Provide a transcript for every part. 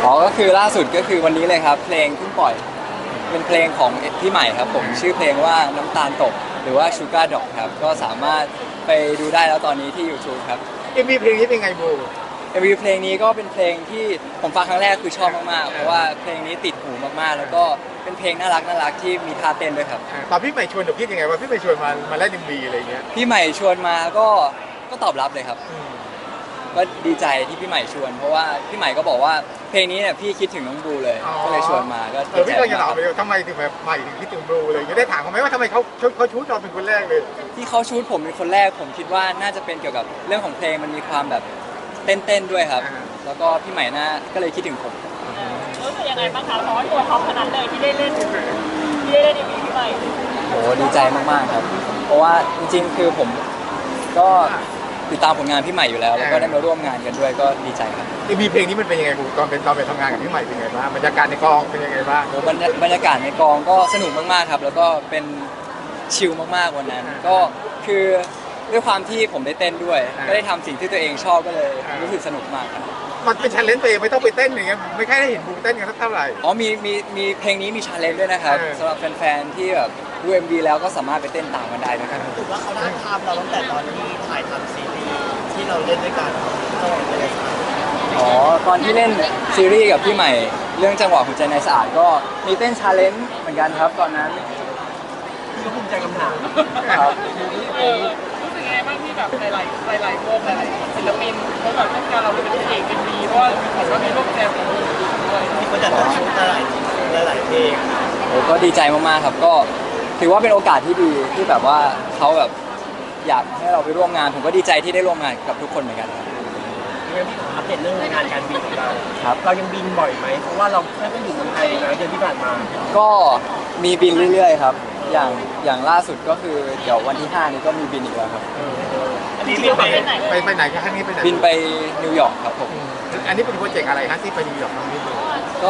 อ๋อก็คือล่าสุดก็คือวันนี้เลยครับเพลงเพิ่งปล่อยเป็นเพลงของพี่ใหม่ครับผมชื่อเพลงว่าน้ำตาลตกหรือว่า Sugar Dog ครับก็สามารถไปดูได้แล้วตอนนี้ที่ YouTube ครับมีเพลงนี้เป็นไงบู MV เพลงนี้ก็เป็นเพลงที่ผมฟังครั้งแรกคือชอบมากๆเพราะว่าเพลงนี้ติดหูมากๆแล้วก็เป็นเพลงน่ารักที่มีท่าเต้นด้วยครับตอนพี่ใหม่ชวนเดี๋ยวคิดยังไงว่าพี่ใหม่ชวนมาเล่นMVอะไรเงี้ยพี่ใหม่ชวนมาก็ตอบรับเลยครับก็ดีใจที่พี่ใหม่ชวนเพราะว่าพี่ใหม่ก็บอกว่าเพลงนี้เนี่ยพี่คิดถึงน้องบลูเลยก็เลยชวนมาก็ดีใจพี่ก็จะถามมากไปทำไมถึงแบบใหม่ถึงคิดถึงบูอะไรเงี้ยได้ถามเขาไหมว่าทำไมเขาชูดเราเป็นคนแรกเลยที่เขาชูดผมเป็นคนแรกผมคิดว่าน่าจะเป็นเกี่ยวกับเรื่องของเพลงมันมีความแบบเต้นด้วยครับแล้วก็พี่ใหม่น่าก็เลยคิดถึงผมรู้สึกยังไงบ้างคะเพราะว่าตัวท็อปขนาดเลยที่ได้เล่นอีพีพี่ใหม่โหดีใจมากๆครับเพราะว่าจริงๆคือผมก็ติดตามผลงานพี่ใหม่อยู่แล้วแล้วก็ได้มาร่วมงานกันด้วยก็ดีใจครับ MVเพลงนี้มันเป็นยังไงบูตอนไปทำงานกับพี่ใหม่เป็นยังไงบ้างบรรยากาศในกองเป็นยังไงบ้างโหบรรยากาศในกองก็สนุกมากๆครับแล้วก็เป็นชิลมากๆวันนั้นก็คือด้วยความที่ผมได้เต้นด้วยก็ได้ทำสิ่งที่ตัวเองชอบก็เลยรู้สึกสนุกมากครับมันเป็นชาเลนจ์ตัวเองไม่ต้องไปเต้นอย่างเงี้ยไม่ค่อยได้เห็นบูเต้นกันสักเท่าไหร่อ๋อมีเพลงนี้มีชาเลนจ์ด้วยนะครับสำหรับแฟนๆที่แบบดู MV แล้วก็สามารถไปเต้นตามกันได้นะครับถือว่าเขาได้ภาพเราตั้งแต่ตอนที่ถ่ายทำซีรีส์ที่เราเล่นด้วยกันจังหวะเป็นไงอ๋อตอนที่เล่นซีรีส์กับพี่ใหม่เรื่องจังหวะหัวใจในสะอาดก็มีเต้นชาเลนจ์เหมือนกันครับตอนนั้นพี่ก็ภูมิใจคำถามครับรู้สึกยังไงบ้างที่แบบหลายวงหลายศิลปินเขาแบบต้องการเราเป็นพระเอกเป็นดีเพราะว่าเหมือนว่ามีร่วมแจมกับด้วยที่เขาจัดตั้งชุดหลายเพลงโอ้ก็ดีใจมากๆครับก็ถือว่าเป็นโอกาสที่ดีที่แบบว่าเขาแบบอยากให้เราไปร่วมงานผมก็ดีใจที่ได้ร่วมงานกับทุกคนเหมือนกันครับงั้นพี่ขออัปเดตเรื่องงานการบินของเราครับเรายังบินบ่อยไหมเพราะว่าเราแค่ก็อยู่เมืองไทยนะเดือนที่ผ่านมาก็มีบินเรื่อยๆครับอย่างล่าสุดก็คือเดี๋ยววันที่ 5 นี้ก็มีบินอีกแล้วครับอันนี้เรียกไปไหนไปไหนครั้งนี้ไปไหนบินไปนิวยอร์กครับผมอันนี้เป็นโปรเจกต์อะไรฮะที่ไปนิวยอร์กครั้งนี้ก็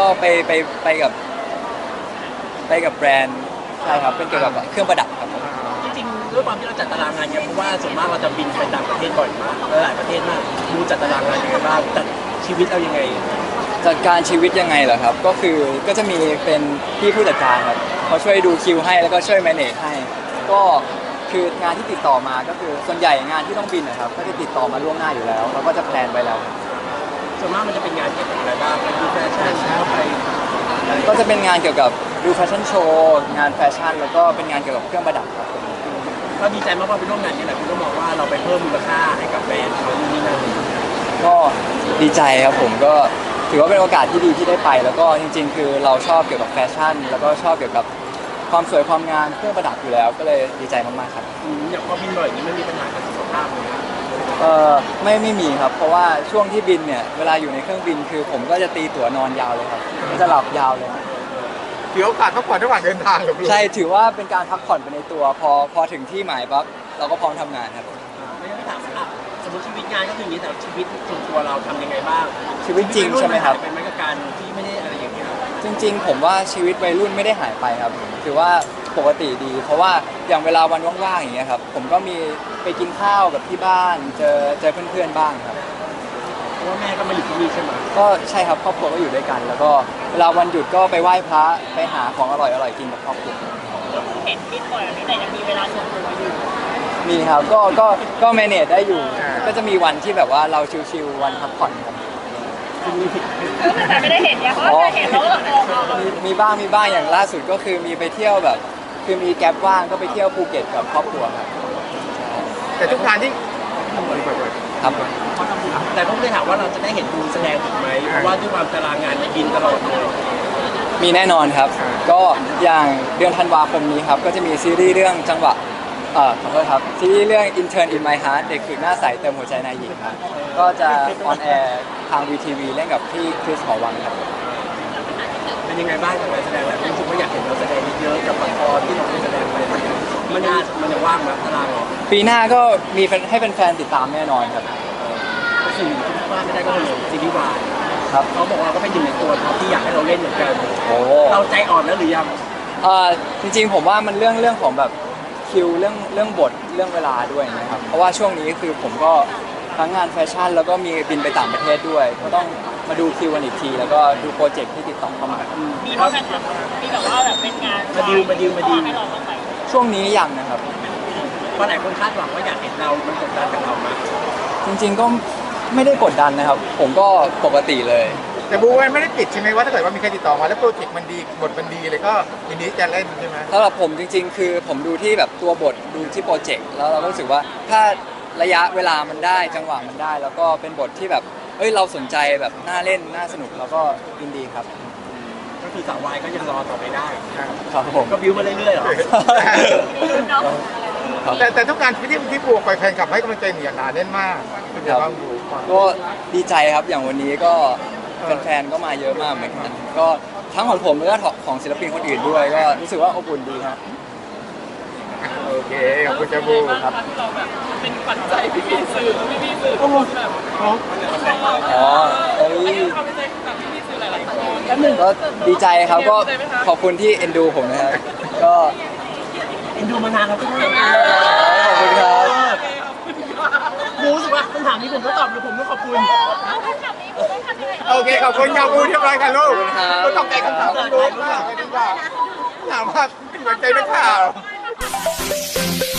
ไปกับแบรนด์ใช่ครับเป็นเกี่ยวกับเครื่องประดับครับผมจริงๆด้วยความที่เราจัดตารางงานเนี่ยเพราะว่าส่วนมากเราจะบินไปต่างประเทศบ่อยมากหลายประเทศมากดูจัดตารางงานยังไงบ้างจัดชีวิตเรายังไงจัดการชีวิตยังไงเหรอครับก็คือก็จะมีเป็นพี่ผู้จัดการครับเขาช่วยดูคิวให้แล้วก็ช่วยแมเนจให้ก็คืองานที่ติดต่อมาก็คือส่วนใหญ่งานที่ต้องบินนะครับก็จะติดต่อมาล่วงหน้าอยู่แล้วเราก็จะแพลนไว้แล้วส่วนมากมันจะเป็นงานเกี่ยวกับอะไรบ้างไปดูแฟชั่นแล้วไปก็จะเป็นงานเกี่ยวกับดูแฟชั่นโชว์งานแฟชั่นแล้วก็เป็นงานเกี่ยวกับเครื่องประดับครับผมเราดีใจมากว่าไปร่วมงานนี้แหละคุณก็มองว่าเราไปเพิ่มมูลค่าให้กับแบรนด์เขานู่นนี่นั่นก็ดีใจครับผมก็ถือว่าเป็นโอกาสที่ดีที่ได้ไป แล้วก็จริงๆ คือเราชอบเกี่ยวกับแฟชั่น แล้วก็ชอบเกี่ยวกับความสวยความงามเครื่องประดับอยู่แล้วก็เลยดีใจมากๆครับอย่างพอบินบ่อยอย่างนี้ไม่มีปัญหากับสุขภาพเลยไม่มีครับเพราะว่าช่วงที่บินเนี่ยเวลาอยู่ในเครื่องบินคือผมก็จะตีตั๋วนอนยาวเลยครับจะหลับยาวเลยครับถือโอกาสพักผ่อนระหว่างเดินทางหรือใช่ถือว่าเป็นการพักผ่อนไปในตัวพอถึงที่หมายปั๊บเราก็พร้อมทำงานครับไม่งั้นถามอ่ะสมมติชีวิตงานก็คืออย่างนี้แต่ชีวิตส่วนตัวเราทำยังไงบ้างชีวิตจริงใช่ไหมครับเป็นไหมกับการที่ไม่ได้อะไรอย่างเงี้ยจริงๆผมว่าชีวิตวัยรุ่นไม่ได้หายไปครับถือว่าปกติดี เพราะว่าอย่างเวลาวันว่างๆอย่างเงี้ยครับผมก็มีไปกินข้าวกับที่บ้านเจอเพื่อนๆบ้างครับเพราะว่าแม่ก็มาอยู่ที่นี่ใช่ไหมก็ใช่ครับครอบครัวก็อยู่ด้วยกัน แล้วก็เวลาวันหยุดก็ไปไหว้พระไปหาของอร่อยๆกินกับครอบครัวเห็นบินบ่อยแบบนี้แต่ยังมีเวลาส่วนตัวอยู่มีครับก็แมเนจได้อยู่ ก็จะมีวันที่แบบว่าเราชิลๆวันพักผ่อนครับแต่ไม่ได้เห็นเนี่ยเพราะว่าเห็นแล้วก็มีบ้างอย่างล่าสุดก็คือมีไปเที่ยวแบบคือมีแก๊ปว่างก็ไปเที่ยวภูเก็ตกับครอบครัวครับแต่ทุกงานที่ครับแต่ก็ไม่ได้ถามว่าเราจะได้เห็นดูแสดงถูกไหมเพราะว่าด้วยความตารางงานบินตลอดเลยมีแน่นอนครับ ก็อย่างเดือนธันวาคมนี้ครับก็จะมีซีรีส์เรื่องจังหวะขอโทษครับซีรีส์เรื่อง Intern in My Heart เด็กฝึกหน้าใสเติมหัวใจนายหญิงครับก็จะออนแอร์ทาง VTV เล่นกับพี่คริสหอวังครับเป็นยังไงบ้างกับการแสดงแบบรู้สึกว่าอยากเห็นเราแสดงเยอะๆกับละครที่เราได้แสดงไปมันจะว่างไหมตารางเหรอปีหน้าก็มีให้แฟนๆติดตามแน่นอนครับสิ่งที่พลาดไม่ได้ก็คือซีรีส์วายครับเขาบอกว่าก็เป็นหนึ่งในตัวท็อปที่อยากให้เราเล่นเหมือนกันโอ้เราใจอ่อนแล้วหรือยังจริงๆผมว่ามันเรื่องของแบบคิวเรื่องบทเรื่องเวลาด้วยนะครับเพราะว่าช่วงนี้คือผมก็ทั้งงานแฟชั่นแล้วก็มีบินไปต่างประเทศด้วยก็ต้องมาดูคิวกันอีกที แล้วก็ดูโปรเจกต์ที่ติดต่อเข้ามามีบ้างไหมครับมีแบบว่าแบบเป็นงานมาดิวให้เราบ้างไหมช่วงนี้ยังนะครับเพราะหลายคนคาดหวังว่าอยากเห็นเรา มันกดดันกับเรามาจริงๆก็ไม่ได้กดดันนะครับ ผมก็ปกติเลยแต่บูมันไม่ได้ปิดใช่ไหมว่าถ้าเกิดว่ามีใครติดต่อมาแล้วโปรเจกต์มันดีบทมันดีเลยก็ยินดีจะเล่นใช่ไหมสำหรับผมจริงๆ คือผมดูที่แบบตัวบทดูที่โปรเจกต์แล้วเราก็รู้สึกว่าถ้าระยะเวลามันได้จังหวะมันได้ แล้วก็เป็นบทที่แบบเอ้ยเราสนใจแบบน่าเล่นน่าสนุกแล้วก็ยินดีครับก็คือสาววายก็ยังรอต่อไปได้ครับผมก็บิวมาเรื่อยๆเหรอครับแต่ทุกการที่บูไปแฟนคลับให้กำลังใจเหนียวหนาแน่นมากเป็นไงบ้างบูก็ดีใจครับอย่างวันนี้ก็แฟนๆก็มาเยอะมากเหมือนกันก็ทั้งของผมแล้วก็ของศิลปินคนอื่นด้วยก็รู้สึกว่าอบอุ่นดีครับโอเคขอบคุณจ้าบูครับที่เราแบบเป็นปัจจัยพี่ๆสื่อทุกคนแบบอ๋อเอ้ยความเป็นใจกับพี่ๆสื่อหลายๆคนก็ดีใจครับก็ขอบคุณที่เอ็นดูผมนะครับก็เอ็นดูมานานแล้วก็ได้ขอบคุณครับรู้สึกว่าคำถามนี้ผมก็ตอบหรือผมต้องขอบคุณโอเคขอบคุณจ้าบูเรียบร้อยค่ะลูกขอบคุณครับก็ต้องใจคำถามบูมากเลยดีกว่าถามว่าเป็นหัวใจนักข่าว